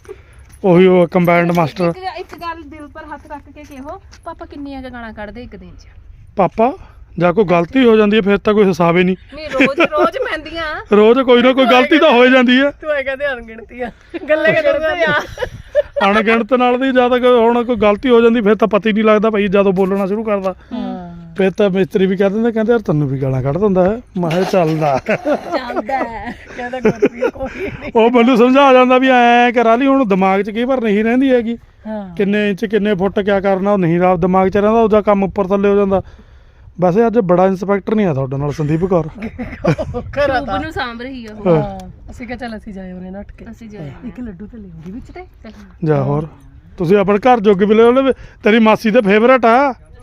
[SPEAKER 1] ਉਹੀ ਉਹ ਕੰਬਾਈਨਡ ਮਾਸਟਰ
[SPEAKER 3] ਇੱਕ ਇੱਕ ਗੱਲ ਦਿਲ ਪਰ ਹੱਥ ਰੱਖ ਕੇ ਕਿਹੋ ਪਾਪਾ ਕਿੰਨੀਆਂ ਕੁ ਗਾਲਾਂ ਕੱਢਦੇ ਇੱਕ ਦਿਨ 'ਚ
[SPEAKER 1] ਪਾਪਾ ਜਾਂ ਕੋਈ ਗਲਤੀ ਹੋ ਜਾਂਦੀ ਹੈ ਫਿਰ ਤਾਂ ਕੋਈ ਹਿਸਾਬ ਹੀ ਨਹੀਂ
[SPEAKER 3] ਨਹੀਂ ਰੋਜ਼ ਰੋਜ਼ ਪੈਂਦੀਆਂ
[SPEAKER 1] ਰੋਜ਼ ਕੋਈ ਨਾ ਕੋਈ ਗਲਤੀ ਤਾਂ ਹੋ ਹੀ ਜਾਂਦੀ ਹੈ
[SPEAKER 2] ਤੂੰ ਇਹ ਕਹਿੰਦੇ ਅਣਗਿਣਤੀਆਂ ਗੱਲੇ ਕਰਦਾ ਯਾਰ
[SPEAKER 1] ਅਣਗਿਣਤ ਨਾਲ ਦੀ ਜ਼ਿਆਦਾ ਕੋਈ ਹੁਣ ਕੋਈ ਗਲਤੀ ਹੋ ਜਾਂਦੀ ਫਿਰ ਤਾਂ ਪਤਾ ਹੀ ਨਹੀਂ ਲੱਗਦਾ ਭਾਈ ਜਦੋਂ ਬੋਲਣਾ ਸ਼ੁਰੂ ਕਰਦਾ ਫਿਰ ਤਾਂ ਮਿਸਤਰੀ ਵੀ ਕਹਿ ਦਿੰਦੇ ਕਹਿੰਦੇ ਯਾਰ ਤੈਨੂੰ ਵੀ ਗਾਲਾਂ ਕੱਢ ਦਿੰਦਾ ਹੈ ਮੈਂ ਕਿਹਾ ਚੱਲਦਾ
[SPEAKER 2] ਚੱਲਦਾ ਕਹਿੰਦਾ ਗੁਰਪ੍ਰੀਤ ਕੋਈ ਨਹੀਂ
[SPEAKER 1] ਉਹ ਮੈਨੂੰ ਸਮਝਾ ਜਾਂਦਾ ਵੀ ਐਂ ਕਰਾ ਲਈ ਹੁਣ ਦਿਮਾਗ 'ਚ ਕਈ ਵਾਰ ਨਹੀਂ ਰਹਿੰਦੀ ਹੈਗੀ
[SPEAKER 2] ਹਾਂ
[SPEAKER 1] ਕਿੰਨੇ ਇੰਚ ਕਿੰਨੇ ਫੁੱਟ ਕਿਆ ਕਰਨਾ ਉਹ ਨਹੀਂ ਰਾਤ ਦਿਮਾਗ 'ਚ ਰਹਿੰਦਾ ਉਹਦਾ ਕੰਮ ਉੱਪਰ ਥੱਲੇ ਹੋ ਜਾਂਦਾ ਵੈਸੇ ਅੱਜ ਬੜਾ ਇੰਸਪੈਕਟਰ ਨਹੀਂ ਆ ਤੁਹਾਡੇ ਨਾਲ ਸੰਦੀਪ ਕੌਰ
[SPEAKER 2] ਘਰਾਂ
[SPEAKER 3] ਸ਼ੁਭ ਨੂੰ ਸਾਂਭ ਰਹੀ ਆ ਉਹ
[SPEAKER 2] ਹਾਂ ਅਸੀਂ ਕਿਹਾ ਚੱਲ ਅਸੀਂ ਜਾਏ ਉਹਨੇ ਨੱਠ ਕੇ
[SPEAKER 3] ਅਸੀਂ ਜਾਏ
[SPEAKER 2] ਇੱਕ ਲੱਡੂ ਤੇ ਲਿਆਉਂਦੀ ਵਿੱਚ ਤੇ
[SPEAKER 1] ਜਾ ਹੋਰ ਤੁਸੀਂ ਆਪਣੇ ਘਰ ਜੋਗੇ ਵੀ ਲੈ ਉਹਨੇ ਤੇਰੀ ਮਾਸੀ ਦੇ ਫੇਵਰੇਟ ਆ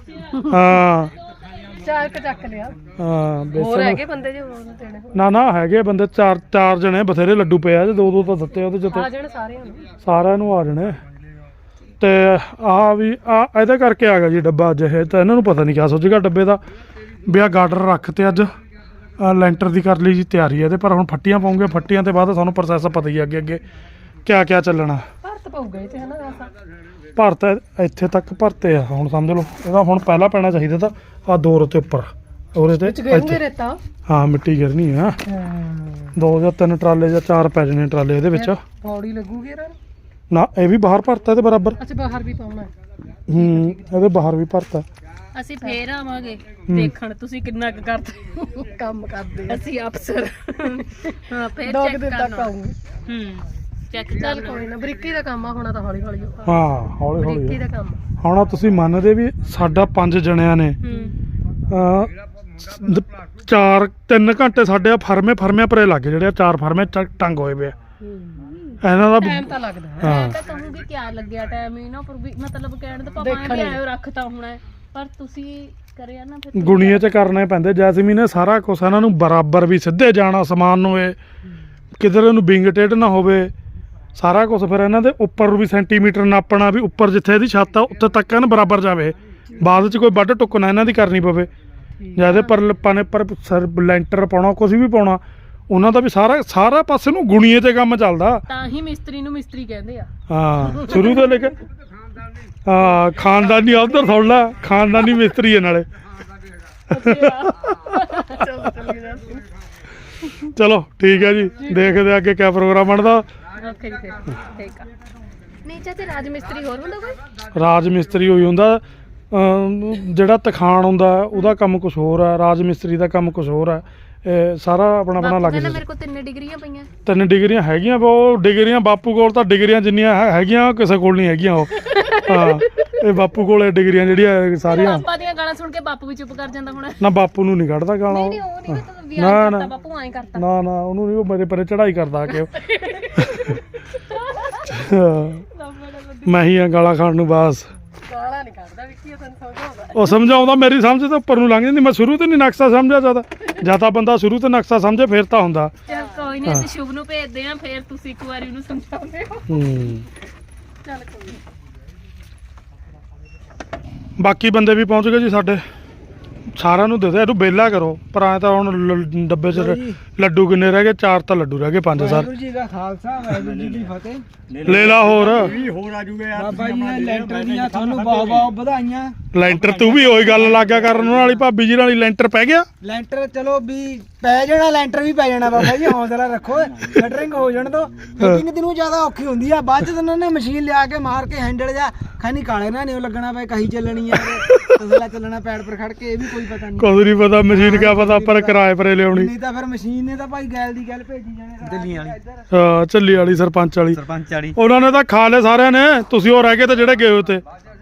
[SPEAKER 1] ਹਾਂ
[SPEAKER 2] ਚਾਰ ਕ ਚੱਕ ਲਿਆ
[SPEAKER 1] ਹਾਂ
[SPEAKER 2] ਹੋਰ
[SPEAKER 1] ਬੇਸਣ
[SPEAKER 2] ਹੈਗੇ ਬੰਦੇ ਜੇ ਹੋਰ ਦੇਣੇ ਹੋਣ।
[SPEAKER 1] ਨਾ ਨਾ ਹੈਗੇ ਬੰਦੇ ਚਾਰ ਚਾਰ ਜਣੇ ਬਥੇਰੇ ਲੱਡੂ ਪਏ ਆ ਤੇ ਦੋ ਦੋ ਤਾਂ ਦਿੱਤੇ ਉਹਦੇ ਚ
[SPEAKER 2] ਆ
[SPEAKER 1] ਤੇ
[SPEAKER 2] ਜਾਣ ਸਾਰਿਆਂ ਨੂੰ
[SPEAKER 1] ਸਾਰਿਆਂ ਨੂੰ ਆ ਜਾਣੇ ਤੇ ਆਹ ਵੀ ਆ ਇਹਦੇ ਕਰਕੇ ਆ ਗਿਆ ਜੀ ਡੱਬਾ ਅੱਜ ਇਹ ਤਾਂ ਇਹਨਾਂ ਨੂੰ ਪਤਾ ਨਹੀਂ ਕਿਆ ਸੋਚੇਗਾ ਡੱਬੇ ਦਾ ਵੀ ਆ ਗਾਰਡਰ ਰੱਖ ਤੇ ਅੱਜ ਆਹ ਲੈਂਟਰ ਦੀ ਕਰ ਲਈ ਜੀ ਤਿਆਰੀ ਇਹਦੇ ਪਰ ਹੁਣ ਫੱਟੀਆਂ ਪਾਉਂਗੇ ਫੱਟੀਆਂ ਤੇ ਬਾਅਦ ਤੁਹਾਨੂੰ ਪ੍ਰੋਸੈਸ ਪਤਾ ਹੀ ਆ ਅੱਗੇ ਅੱਗੇ ਕਿਆ ਕਿਆ ਚੱਲਣਾ
[SPEAKER 2] ਭਰਤ ਪਊਗਾ ਇਹ ਤੇ ਹਨਾ ਰਾਸਾ
[SPEAKER 1] ਭਰਤ ਇੱਥੇ ਤੱਕ ਭਰਤੇ ਆ ਹੁਣ ਸਮਝ ਲਓ ਇਹਦਾ ਹੁਣ ਪਹਿਲਾਂ ਪੈਣਾ ਚਾਹੀਦਾ ਤਾਂ ਆ ਦੋ ਰੋਤੇ ਉੱਪਰ ਉਹਦੇ ਤੇ
[SPEAKER 2] ਵਿੱਚ ਗੇਂਗੇ
[SPEAKER 1] ਇੱਥੇ।
[SPEAKER 2] ਰੇਤਾ
[SPEAKER 1] ਹਾਂ ਮਿੱਟੀ ਗਿਰਨੀ ਆ ਦੋ ਜਾਂ ਤਿੰਨ ਟਰਾਲੇ ਜਾਂ ਚਾਰ ਪੈ ਜਾਣੇ ਟਰਾਲੇ ਇਹਦੇ ਵਿੱਚ
[SPEAKER 2] ਪੌੜੀ ਲੱਗੂਗੀ ਇਹਨਾਂ ਨੂੰ
[SPEAKER 1] ਨਾ ਇਹ ਵੀ ਬਾਹਰ ਭਰਤਾ ਤੇ ਬਰਾਬਰ
[SPEAKER 2] ਅੱਛਾ ਬਾਹਰ ਵੀ ਪਾਉਣਾ ਹੈ।
[SPEAKER 1] ਹੂੰ ਇਹਦੇ ਬਾਹਰ ਵੀ ਭਰਤਾ
[SPEAKER 3] ਅਸੀਂ ਫੇਰ ਆਵਾਂਗੇ ਦੇਖਣ ਤੁਸੀਂ ਕਿੰਨਾ ਕੁ ਕਰਦੇ
[SPEAKER 2] ਕੰਮ ਕਰਦੇ ਆ
[SPEAKER 3] ਅਸੀਂ ਅਫਸਰ ਹਾਂ ਫੇਰ
[SPEAKER 2] ਦੋ ਕੁ
[SPEAKER 3] ਚੈੱਕ
[SPEAKER 2] ਦਿਨ ਤੱਕ
[SPEAKER 3] ਕਰਨਾ
[SPEAKER 2] ਆਉਂਗੇ
[SPEAKER 3] ਹੂੰ ਚੈੱਕ
[SPEAKER 2] ਚੱਲ
[SPEAKER 3] ਕਰਨਾ
[SPEAKER 2] ਕੋਈ ਨਾ ਬਰੀਕੀ ਦਾ ਕੰਮ ਆ ਹੋਣਾ ਤਾਂ ਹੌਲੀ ਹੌਲੀ ਹੋਊਗਾ।
[SPEAKER 1] ਹਾਂ ਹੌਲੀ
[SPEAKER 2] ਬਰੀਕੀ
[SPEAKER 1] ਹੌਲੀ
[SPEAKER 2] ਦਾ ਕੰਮ
[SPEAKER 1] ਹੁਣ ਆਹ ਤੁਸੀਂ ਮੰਨਦੇ ਵੀ ਸਾਡਾ ਪੰਜ ਜਣਿਆਂ ਨੇ
[SPEAKER 3] ਹੂੰ
[SPEAKER 1] ਅਹ, ਦ- ਚਾਰ ਤਿੰਨ ਘੰਟੇ ਸਾਡੇ ਆ ਫਰਮੇ ਫਰਮੇ ਪਰੇ ਲੱਗੇ ਜਿਹੜੇ ਆ ਚਾਰ ਫਰਮੇ ਚ- ਟੰਗ ਹੋਏ ਪਏ ਆ। ਇਹਨਾਂ ਦਾ
[SPEAKER 2] ਟਾਈਮ ਤਾਂ ਲੱਗਦਾ ਹੈ।
[SPEAKER 3] ਮੈਂ
[SPEAKER 1] ਹਾਂ
[SPEAKER 3] ਤਾਂ ਕਹੂੰਗੀ ਕਿਆ ਲੱਗਿਆ ਟਾਈਮ ਇਹਨਾਂ ਪਰ ਵੀ ਮਤਲਬ ਕਹਿਣ ਦਾ ਪਾਪਾ
[SPEAKER 2] ਦੇਖਣ
[SPEAKER 3] ਐ
[SPEAKER 2] ਲਈ।
[SPEAKER 3] ਆਇਓ ਰੱਖਤਾ ਹੋਣਾ ਹੈ, ਪਰ ਤੁਸੀਂ ਕਰਿਆ ਨਾ ਫਿਰ
[SPEAKER 1] ਗੁਣੀਏ ਚ ਕਰਨੇ ਪੈਂਦੇ ਜੈਸਮੀਨ ਨੇ ਸਾਰਾ ਕੁਛ ਇਹਨਾਂ ਨੂੰ ਬਰਾਬਰ ਵੀ ਸਿੱਧੇ ਜਾਣਾ ਸਮਾਨ ਨੂੰ ਇਹ ਕਿਧਰ ਇਹਨੂੰ ਵਿੰਗ ਟੇਢ ਨਾ ਹੋਵੇ ਸਾਰਾ ਕੁਝ ਫਿਰ ਇਹਨਾਂ ਦੇ ਉੱਪਰ ਵੀ ਸੈਂਟੀਮੀਟਰ ਨਾਪਣਾ ਵੀ ਉੱਪਰ ਜਿੱਥੇ ਇਹਦੀ ਛੱਤ ਆ ਉੱਥੇ ਤੱਕ ਇਹਨਾਂ ਬਰਾਬਰ ਜਾਵੇ ਬਾਅਦ ਚ ਕੋਈ ਵੱਢ ਟੁੱਕ ਨਾ ਇਹਨਾਂ ਦੀ ਕਰਨੀ ਪਵੇ ਜਾਂ ਇਹਦੇ ਪਰ ਲੱਪਾਂ ਨੇ ਪਰ ਸਰ ਲੈਂਟਰ ਪਾਉਣਾ ਕੁਝ ਵੀ ਪਾਉਣਾ ਉਹਨਾਂ ਦਾ ਵੀ ਸਾਰਾ ਸਾਰਾ ਪਾਸੇ ਨੂੰ ਗੁਣੀਏ ਤੇ ਕੰਮ ਚੱਲਦਾ
[SPEAKER 3] ਤਾਂ ਹੀ ਮਿਸਤਰੀ ਨੂੰ ਮਿਸਤਰੀ ਕਹਿੰਦੇ ਆ
[SPEAKER 1] ਹਾਂ ਸ਼ੁਰੂ ਤੋਂ ਲੈ ਕੇ ਹਾਂ ਖਾਨਦਾਨੀ ਉਧਰ ਸੁਣ ਲੈ ਖਾਨਦਾਨੀ ਮਿਸਤਰੀ ਹੈ ਨਾਲੇ
[SPEAKER 2] ਚਲੋ ਚੱਲੀ ਜਾ
[SPEAKER 1] ਚਲੋ ਠੀਕ ਹੈ ਜੀ ਦੇਖਦੇ ਆ ਅੱਗੇ ਕਿਆ ਪ੍ਰੋਗਰਾਮ ਬਣਦਾ
[SPEAKER 3] ਓਕੇ ਜੀ ਫਿਰ ਠੀਕ ਆ ਨਹੀਂ ਚਾਚੇ ਰਾਜ ਮਿਸਤਰੀ ਹੋਰ ਹੁੰਦਾ ਕੋਈ
[SPEAKER 1] ਰਾਜ ਮਿਸਤਰੀ ਹੋਈ ਹੁੰਦਾ ਅਮ, ਜਿਹੜਾ ਤਖਾਣ ਹੁੰਦਾ ਉਹਦਾ ਕੰਮ ਕੁਝ ਹੋਰ ਹੈ ਰਾਜ ਮਿਸਤਰੀ ਦਾ ਕੰਮ ਕੁਝ ਹੋਰ ਹੈ ਇਹ ਸਾਰਾ ਆਪਣਾ ਆਪਣਾ
[SPEAKER 3] ਬਾਪੂ
[SPEAKER 1] ਲੱਗ
[SPEAKER 3] ਕਹਿੰਦਾ
[SPEAKER 1] ਜਾਂਦਾ
[SPEAKER 3] ਮੇਰੇ ਕੋਲ ਤਿੰਨ ਡਿਗਰੀਆਂ ਪਈਆਂ
[SPEAKER 1] ਤਿੰਨ ਡਿਗਰੀਆਂ ਹੈਗੀਆਂ ਪਰ ਉਹ ਡਿਗਰੀਆਂ ਬਾਪੂ ਕੋਲ ਤਾਂ ਡਿਗਰੀਆਂ ਜਿੰਨੀਆਂ ਹੈ- ਹੈਗੀਆਂ ਕਿਸੇ ਕੋਲ ਨਹੀਂ ਹੈਗੀਆਂ ਉਹ ਹਾਂ ਇਹ ਬਾਪੂ ਕੋਲ ਇਹ ਡਿਗਰੀਆਂ ਜਿਹੜੀਆਂ ਸਾਰੀਆਂ
[SPEAKER 3] ਪਾਪਾ ਦੀਆਂ ਗਾਲਾਂ ਸੁਣ ਕੇ ਬਾਪੂ ਵੀ ਚੁੱਪ ਕਰ ਜਾਂਦਾ ਹੁਣ
[SPEAKER 1] ਨਾ ਬਾਪੂ ਨੂੰ ਨਹੀਂ ਕੱਢਦਾ ਗਾਣਾ
[SPEAKER 3] ਨਹੀਂ
[SPEAKER 1] ਉਹ
[SPEAKER 3] ਨਹੀਂ ਉਹ ਨਹੀਂ ਤਾਂ
[SPEAKER 1] ਨਾ,
[SPEAKER 3] ਵਿਆਹ
[SPEAKER 1] ਨਾ।
[SPEAKER 3] ਕਰਤਾ ਬਾਪੂ ਐਂ ਕਰਤਾ
[SPEAKER 1] ਨਾ ਨਾ ਉਹਨੂੰ ਨਹੀਂ ਉਹ ਮੇਰੇ ਪਰੇ ਚੜਾਈ ਕਰਦਾ ਆ ਕੇ ਉਹ। ਮੈਂ ਹੀ ਆ ਗਾਲਾਂ ਖਾਣ ਨੂੰ ਬਸ
[SPEAKER 2] ਗਾਲਾਂ ਨਹੀਂ ਕੱਢਦਾ ਵਿੱਕੀ ਉਹ ਤੈਨੂੰ ਸਮਝਾਉਂਦਾ
[SPEAKER 1] ਉਹ ਸਮਝਾਉਂਦਾ ਮੇਰੀ ਸਮਝ ਤੋਂ ਉੱਪਰ ਨੂੰ ਲੰਘ ਜਾਂਦੀ ਮੈਂ ਸ਼ੁਰੂ ਤੋਂ ਨਹੀਂ ਨਕਸ਼ਾ ਸਮਝਿਆ ਜਾਂਦਾ ਜਾਂ ਤਾਂ ਬੰਦਾ ਸ਼ੁਰੂ ਤੋਂ ਨਕਸ਼ਾ ਸਮਝੇ ਫਿਰ ਤਾਂ ਹੁੰਦਾ
[SPEAKER 3] ਚਲ ਕੋਈ ਨਹੀਂ ਅਸੀਂ ਸ਼ੁਭ ਨੂੰ ਭੇਜਦੇ ਆਂ ਫਿਰ ਤੁਸੀਂ ਇੱਕ ਵਾਰੀ ਉਹਨੂੰ ਸਮਝਾਉਂਦੇ ਹੋ
[SPEAKER 1] ਹੂੰ
[SPEAKER 2] ਚੱਲ ਕੋਈ ਨੀ।
[SPEAKER 1] ਬਾਕੀ ਬੰਦੇ ਵੀ ਪਹੁੰਚ ਗਏ ਜੀ ਸਾਡੇ ਸਾਰਿਆਂ ਨੂੰ ਦੇ ਦੇ ਇਹਨੂੰ ਬੇਲਾ ਕਰੋ ਪਰ ਐ ਤਾਂ ਹੁਣ ਲ- ਡੱਬੇ 'ਚ ਲ- ਲੱਡੂ ਕਿੰਨੇ ਰਹਿ ਗਏ ਚਾਰ ਤਾਂ ਲੱਡੂ ਰਹਿ ਗਏ ਪੰਜ ਸਰ
[SPEAKER 5] ਵਾਹਿਗੁਰੂ ਜੀ ਦਾ ਖਾਲਸਾ ਵਾਹਿਗੁਰੂ ਜੀ ਕੀ ਫਤਿਹ
[SPEAKER 1] ਲੈ ਲਾ ਹੋਰ
[SPEAKER 5] ਬਾਬਾ ਜੀ ਨੇ ਲੈਂਟਰ ਦੀਆਂ ਤੁਹਾਨੂੰ ਬਹੁਤ ਬਹੁਤ ਵਧਾਈਆਂ
[SPEAKER 1] ਲੈਂਟਰ ਤੂੰ ਵੀ ਉਹੀ ਗੱਲ ਲੱਗ ਗਿਆ ਕਰਨ ਉਹਨਾਂ ਵਾਲੀ ਭਾਬੀ ਜੀ ਵਾਲੀ ਲੈਂਟਰ ਪੈ ਗਿਆ
[SPEAKER 5] ਲੈਂਟਰ ਚਲੋ ਵੀ ਪੈ ਜਾਣਾ ਲੈਂਟਰ ਵੀ ਪੈ ਜਾਣਾ ਬਾਬਾ ਜੀ ਹੌਸਲਾ ਰੱਖੋ ਸ਼ਟਰਿੰਗ ਹੋ ਜਾਣ ਤੋਂ ਫਿਟਿੰਗ ਦਿਨੋਂ ਜ਼ਿਆਦਾ ਔਖੀ ਹੁੰਦੀ ਆ ਬਾਅਦ ਚ ਤਾਂ ਉਹਨਾਂ ਨੇ ਮਸ਼ੀਨ ਲਿਆ ਕੇ ਮਾਰ ਕੇ ਹੈਂਡਲ ਜਾਂ ਖਾਨੀ ਕਾਲੇ ਨਾ ਨਹੀਂ ਲੱਗਣਾ ਪਏ ਕਹੀ ਚੱਲਣੀ ਆ ਤਸਲਾ ਚੱਲਣਾ ਪੈੜ ਪਰ ਖੜ ਕੇ ਇਹ ਵੀ ਕੋਈ ਕੋਈ ਪਤਾ ਨਹੀਂ
[SPEAKER 1] ਕੁਝ ਨਹੀਂ ਪਤਾ ਮਸ਼ੀਨ ਕਿਆ ਪਤਾ ਪਰ ਕਿਰਾਏ ਪਰੇ ਲਿਆਉਣੀ
[SPEAKER 5] ਨਹੀਂ ਤਾਂ ਫਿਰ ਮਸ਼ੀਨ ਨੇ ਤਾਂ ਭਾਈ ਗੈਲ ਦੀ ਗੱਲ ਭੇਜੀ ਜਾਣੇ ਦਿੱਲੀ ਵਾਲੀ
[SPEAKER 1] ਹਾਂ ਚੱਲੀ ਵਾਲੀ ਸਰਪੰਚ ਵਾਲੀ
[SPEAKER 5] ਸਰਪੰਚ ਵਾਲੀ
[SPEAKER 1] ਉਹਨਾਂ ਨੇ ਤਾਂ ਖਾ ਲਏ ਸਾਰਿਆਂ ਨੇ ਤੁਸੀਂ ਉਹ ਰਹਿ ਗਏ ਤੇ ਜਿਹੜੇ ਗਏ ਉੱਤੇ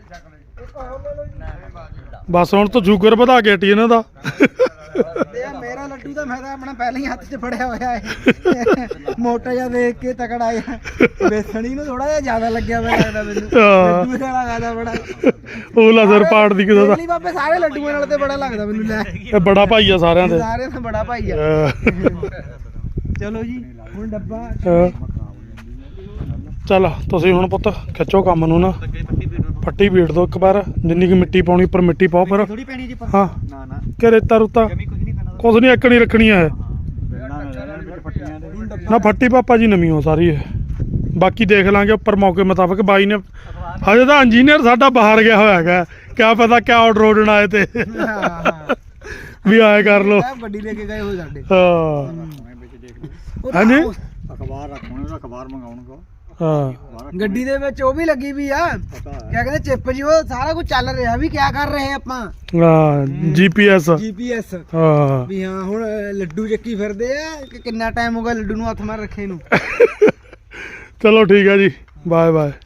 [SPEAKER 1] ਬਸ ਹੁਣ ਤਾਂ ਸ਼ੂਗਰ ਵਧਾ ਕੇ ਹਟੀ ਇਹਨਾਂ ਦਾ
[SPEAKER 5] ਇਹ ਮੇਰਾ ਲੱਡੂ ਤਾਂ ਮੈਂ ਤਾਂ ਆਪਣਾ ਪਹਿਲਾਂ ਹੀ ਹੱਥ 'ਚ ਫੜਿਆ ਹੋਇਆ ਹੈ ਮੋਟਾ ਜਿਹਾ ਦੇਖ ਕੇ ਤਕੜਾ ਆਇਆ ਬੇਸਣੀ ਨੂੰ ਥੋੜਾ ਜਿਹਾ ਜ਼ਿਆਦਾ ਲੱਗਿਆ ਹੋਇਆ ਲੱਗਦਾ ਮੈਨੂੰ
[SPEAKER 1] ਹਾਂ।
[SPEAKER 5] ਲੱਡੂ ਵਾਲਾ ਖਾਦਾ ਬੜਾ
[SPEAKER 1] ਉਹਲਾ ਸਿਰ ਪਾੜ ਦੀ ਕਿਸੇ ਦਾ
[SPEAKER 5] ਦਿੱਲੀ ਬਾਬੇ ਸਾਰੇ ਲੱਡੂਆਂ ਨਾਲ ਤੇ ਬੜਾ ਲੱਗਦਾ ਮੈਨੂੰ ਲੈ
[SPEAKER 1] ਇਹ ਬੜਾ ਭਾਈ ਆ ਸਾਰਿਆਂ ਦੇ
[SPEAKER 5] ਸਾਰੇ ਤੋਂ ਬੜਾ ਭਾਈ ਆ
[SPEAKER 1] ਅਹ
[SPEAKER 5] ਚਲੋ ਜੀ ਹੁਣ ਡੱਬਾ
[SPEAKER 1] ਅਹ ਚੱਲ ਤੁਸੀਂ ਹੁਣ ਪੁੱਤ ਖਿੱਚੋ ਕੰਮ ਨੂੰ ਨਾ ਪੱਟੀ ਬੀੜ ਦੋ ਇੱਕ ਵਾਰ ਜਿੰਨੀ ਕਿ ਮਿੱਟੀ ਪਾਉਣੀ ਉੱਪਰ ਮਿੱਟੀ ਪਾਓ ਫਿਰ
[SPEAKER 5] ਥੋੜੀ ਪੈਣੀ ਜੀ
[SPEAKER 1] ਹਾਂ
[SPEAKER 5] ਨਾ ਨਾ
[SPEAKER 1] ਕਿ ਰੇਤਾ ਰੁੱਤਾ
[SPEAKER 5] ਜਮੀ ਕੁਝ ਨਹੀਂ ਪੈਣਾ
[SPEAKER 1] ਕੁਛ ਨਹੀਂ ਇੱਕਣੀ ਰੱਖਣੀ ਹੈ
[SPEAKER 5] ਪੱਟੀਆਂ ਦੇ
[SPEAKER 1] ਨਾ ਫੱਟੀ ਪਾਪਾ ਜੀ ਨਵੀਂ ਹੋ ਸਾਰੀ ਇਹ ਬਾਕੀ ਦੇਖ ਲਾਂਗੇ ਉੱਪਰ ਮੌਕੇ ਮੁਤਾਬਕ ਬਾਈ ਨੇ ਹਜੇ ਤਾਂ ਇੰਜੀਨੀਅਰ ਸਾਡਾ ਬਾਹਰ ਗਿਆ ਹੋਇਆ ਹੈਗਾ ਕਿਆ ਪਤਾ ਕਿਆ ਆਰਡਰ ਆਰਡਰ ਆਏ ਤੇ
[SPEAKER 5] ਹਾਂ
[SPEAKER 1] ਵੀ ਆਏ ਕਰ ਲੋ
[SPEAKER 5] ਗੱਡੀ ਲੈ ਕੇ ਗਏ ਹੋ ਸਾਡੇ
[SPEAKER 1] ਹਾਂ ਹਾਂਜੀ
[SPEAKER 5] ਅਖਬਾਰ ਰੱਖਣੇ ਦਾ ਅਖਬਾਰ ਮੰਗਾਉਣਗਾ
[SPEAKER 1] ਹਾਂ
[SPEAKER 5] ਗੱਡੀ ਦੇ ਵਿੱਚ ਉਹ ਵੀ ਲੱਗੀ ਵੀ ਆ ਕਿਆ ਕਹਿੰਦੇ ਚਿੱਪ ਜੀ ਉਹ ਸਾਰਾ ਕੁਝ ਚੱਲ ਰਿਹਾ ਵੀ ਕਿਆ ਕਰ ਰਹੇ ਆਪਾਂ
[SPEAKER 1] ਹਾਂ ਜੀਪੀਐਸ
[SPEAKER 5] ਜੀਪੀਐਸ
[SPEAKER 1] ਹਾਂ
[SPEAKER 5] ਵੀ ਹਾਂ ਹੁਣ ਲੱਡੂ ਚੱਕੀ ਫਿਰਦੇ ਆ ਕਿ ਕਿੰਨਾ ਟਾਈਮ ਹੋ ਗਿਆ ਲੱਡੂ ਨੂੰ ਹੱਥ ਮਾਰ ਰੱਖੇ ਨੂੰ
[SPEAKER 1] ਚਲੋ ਠੀਕ ਹੈ ਜੀ ਬਾਏ ਬਾਏ